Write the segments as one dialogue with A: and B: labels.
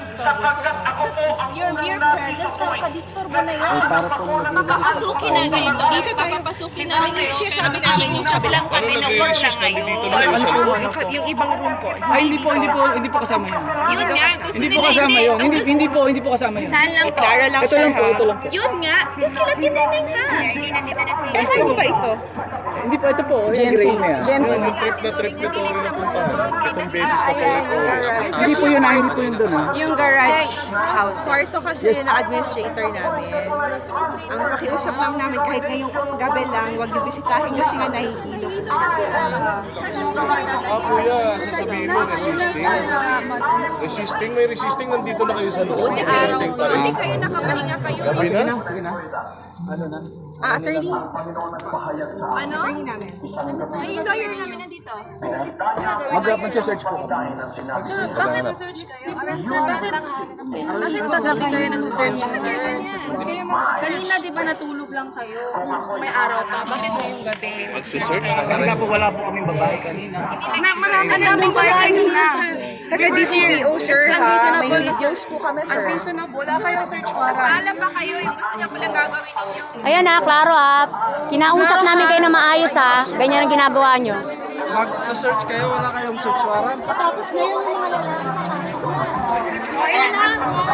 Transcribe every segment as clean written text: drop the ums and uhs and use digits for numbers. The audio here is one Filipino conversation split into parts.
A: Your mere presence, nakakadisturbo na yan.
B: Papapasukin na ganito.
C: Dito tayo.
B: Papapasukin namin kayo.
C: Siya sabi namin yung sabi lang
D: Paano nagre-resist? Nandito na kayo sa loob.
C: yung ibang room po.
E: Ay, hindi po kasama yun.
B: Yun nga, gusto
E: Hindi po
B: nila
E: kasama yun. Hindi po kasama yun.
B: Saan lang po?
C: Clara lang,
E: Ito
C: sir,
E: lang po,
C: ha?
E: ito lang po.
B: Yun nga, kikilat din namin ha.
C: Sir, kayo ba ito?
E: Hindi po, ito po. Yung gray na yan.
D: Trip na ito rin napuntahan. Itong beses na kayo ako.
E: Hindi po yun doon ha.
A: Yung garage house.
C: Kwarto kasi ng administrator namin. Ang pakiusap lang namin kahit ngayong gabi lang, huwag yung bisitahin kasi nga nahihilo po siya.
D: Kuya, sasabihin mo, resisting. May resisting, nandito na kayo sa loob. Resisting pa rin.
B: Hindi kayo nakapahinga kayo.
D: Gabi na?
C: Attorney?
B: Ano?
C: Attorney namin.
B: Ay, yung lawyer namin nandito.
E: Mag-search po.
A: Bakit search kayo? Bakit ba gabi kayo nagsisearch, sir? Kanina di ba natulog lang kayo? May araw pa. Bakit ngayong gabi?
D: Magsisearch?
E: Kasi nga po wala po kaming babae kanina.
C: Marami namin
A: ba
C: kanina.
A: sir?
C: Taga-DCPO, sir, ha?
A: Unreasonable.
C: May videos po kami, sir. Unreasonable. Wala kayong search warrant.
B: Alam ba kayo yung gusto niya palang gagawin ninyo?
F: Ayan ha, klaro ha. Kinausap namin kayo na maayos ha. Ganyan ang ginagawa nyo.
G: Mag-search kayo, wala kayong search warrant.
C: Tapos ngayon, wala lang. Ayan na.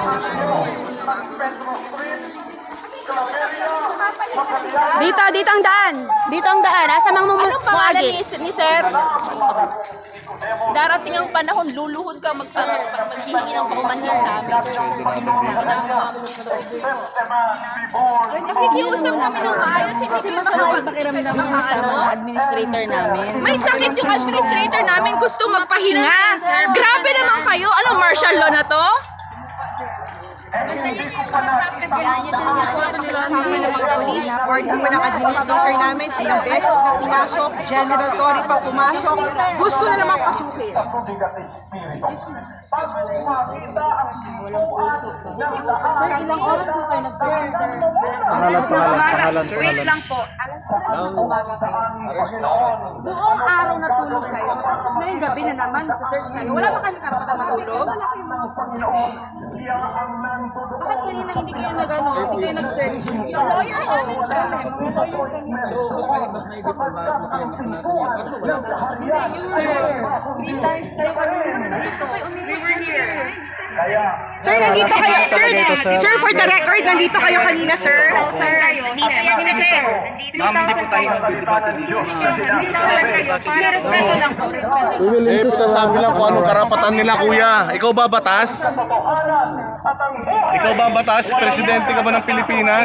F: Dito ang daan. Dito ang daan. Asa mang
B: Anong pangalan
F: mumuagi?
B: ni Sir? Darating ang panahon, luluhod ka maghihingi ng paumanhin sa amin. Ginagawa mo yung nakikiusap kami ng maayos, hindi kayo
F: Pakiramdam mo sa mga administrator namin.
B: May sakit yung administrator namin, gusto magpahinga. Grabe naman kayo. Anong martial law na to?
C: Kasama ng mga police, board naman ng administrator namin, ilang beses na pinasok, General Tory pa pumasok, gusto na naman pasukin.
A: Sir, ilang oras na kayo nag-search, sir?
G: Pangalan.
A: Wait lang po. Alas 3 ng umaga kayo. Buong araw natulog kayo. Tapos ngayong gabi na naman, nag-search kayo. Wala ba kami karapatan matulog? Bakit kanina hindi kayo hindi kayo nag-search? Yung lawyer namin siya.
E: So, mas maigit po ba?
C: Sir, nandito kayo. Sir, for the record, nandito kayo kanina, sir. Sir,
E: Ma'am, hindi po tayo nag-debate dito.
A: Respeto lang po. Respeto.
D: Eh, sasabi lang kung anong karapatan nila, kuya. Ikaw ba batas? Ikaw ba batas? Presidente ka ba ng Pilipinas?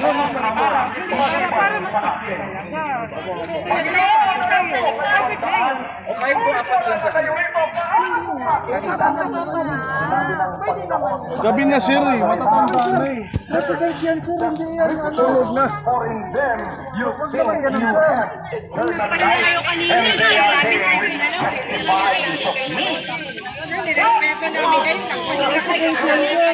E: Okay po, apat lang sa kanila.
D: Gabi na, sir, eh. Matatanda na eh.
G: Residence yan, sir. Hindi yan. Tulog na. Huwag naman ganun, sir.
C: Sir, nirespeto namin kayo. Residence yan, sir.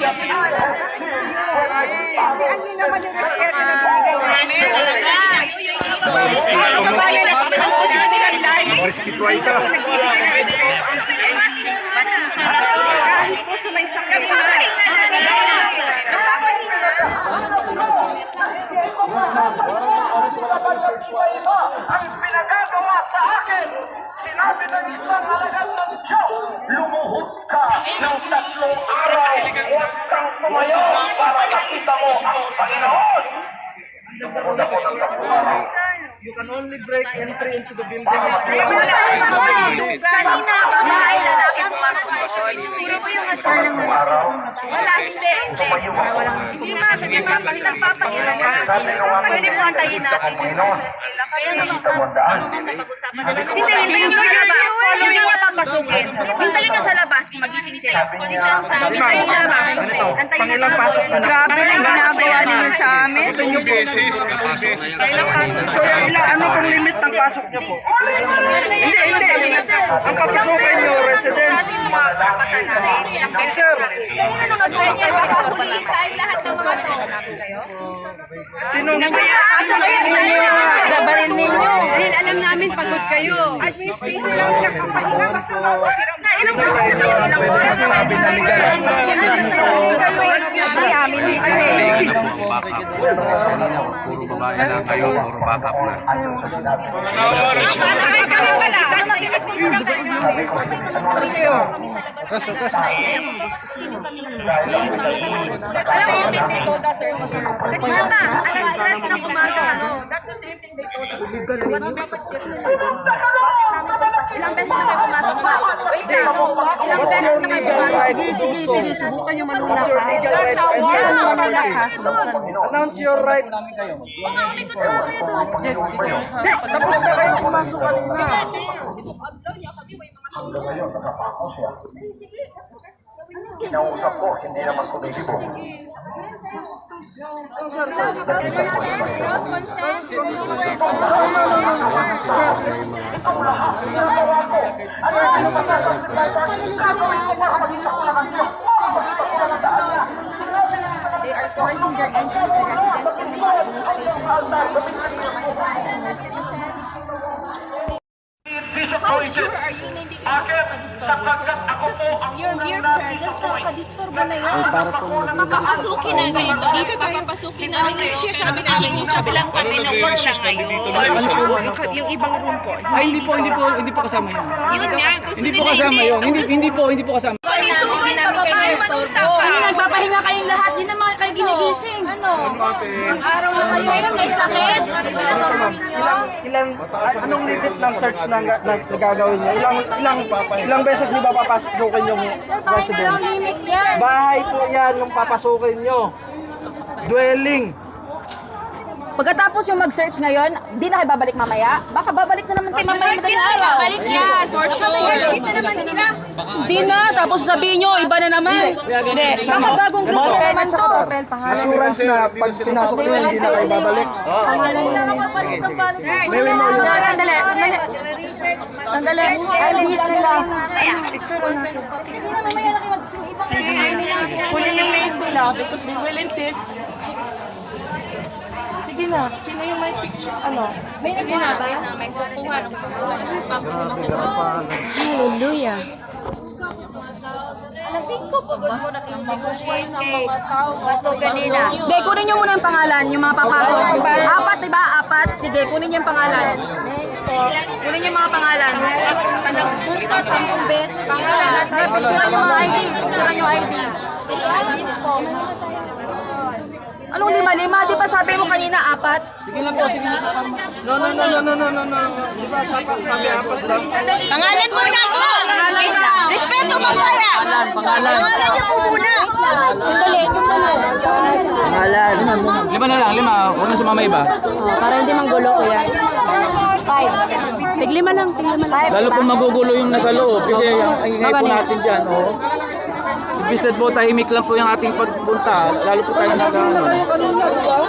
C: Ano naman yung respeto na binigay namin?
D: Respetuay ka.
C: Kahit po sumaysakay.
H: Ang pinagagawa sa akin, sinabi ng isang alagad ng Diyos, lumuhod ka ng 3 araw, huwag kang tumayo para makita mo ang Panginoon. Lumuhod ako ng 3 araw.
G: You can only break entry into the building if you
B: Kanina, babae, lalaki, pumasok na ito. Sino po yung asawa ng wala, hindi. Hindi nga, kasi nagpapahiram ka. Pwede mo antayin natin. Kaya naman, hintayin nyo sa labas. Hindi nyo papasukin. Hintayin nyo sa labas kung magising sila. Hintayin sa labas.
G: Pangilang pasok na.
A: Grabe na yung ginagawa ninyo sa amin.
D: Itong beses tayo.
G: So, ano pong limit ng pasok niyo po? Hindi. Ang papasukin niyo, residence. Sir,
B: Huliin tayo lahat ng mga to.
G: sino
A: Pasok kayo ninyo. Sabarin ninyo.
B: Dahil alam namin pagod kayo.
C: Administrator lang nagpapahinga.
B: Ilang oras na kayo? Ilang oras na kayo?
G: sabi na legal?
D: puro babae lang kayo, puro backup na. Reso, reso.
B: Mama, alas 3 ng umaga. Ilang beses na kayo pumasok, ma'am? Wait lang. Ilang beses na kayo pumasok?
C: Subukan nyo
G: What's your legal right to enter the property? Announce your right. Hindi, tapos na kayo pumasok kanina.
H: Hanggang ngayon, nakapako siya. Kinausap ko, hindi naman kumikibo.
C: They are forcing their entry sa residence.
H: How sure are you na hindi ka
A: Your mere presence, nakakadisturbo na yan. Papapasukin na kayo doon. Dito tayo papasukin namin kayo.
C: Siya sabi namin yung sabi lang.
D: Ano nagre-resist? Nandito na kayo sa loob.
C: Yung ibang room po.
E: Ay, hindi po kasama yun.
B: Yun nga, gusto
E: Hindi po
B: nila
E: kasama yun. Hindi po kasama.
B: Panintukan pa ba kayo manunta pa?
F: Hindi nagpapahinga kayong lahat, di naman kayo ginigising.
A: Ano?
B: Araw na kayo may sakit.
G: Anong limit ng search na nagagawin niyo? Ilang beses niyo ba papasukin yung residence?
A: Limit yan.
G: Bahay po yan yung papasukin niyo. Dwelling.
F: Pagkatapos yung mag-search ngayon, di na kayo babalik mamaya? Baka babalik na naman kayo mamaya madaling araw.
A: Balik yan, for sure.
C: Dito naman sila.
A: Di na, tapos sabihin nyo, iba na naman. Baka bagong grupo naman to.
G: Assurance na pag pinasok niyo hindi na kayo babalik. May mo yun.
C: Sandali. Ay, lihis nila.
A: Hindi na mamaya na kayo ibang
C: Kunin yung names nila because they will insist. Sige na. Sino yung may picture? Ano?
A: May nagpapabay na may kukuha sa
F: Hallelujah. Hindi, kunin nyo muna yung pangalan, yung mga papasok. Apat, diba? Apat. Sige, kunin nyo yung pangalan. Kunin nyo yung mga pangalan.
A: Nagpunta 10 beses
F: Pangalan. Picturean yung mga ID. Picturean yung ID. Anong lima-lima? Di ba sabi mo kanina apat?
E: Sige na po, sige na.
G: No. Di ba sabi apat lang?
C: Pangalan muna po! Respeto mamaya!
E: Pangalan.
C: Pangalan niyo po muna! Sandali.
G: Pangalan.
E: Lima na lang, lima. Huwag na sumama iba.
F: Para hindi manggulo ko yan. 5. Tiglima lang, tiglima lang.
E: Lalo kung magugulo yung nasa loob kasi ang ingay po natin dyan. Oh. Imbis po tahimik lang po yung ating pagpunta. Lalo po tayo
G: Sabi na kayo kanina, di ba?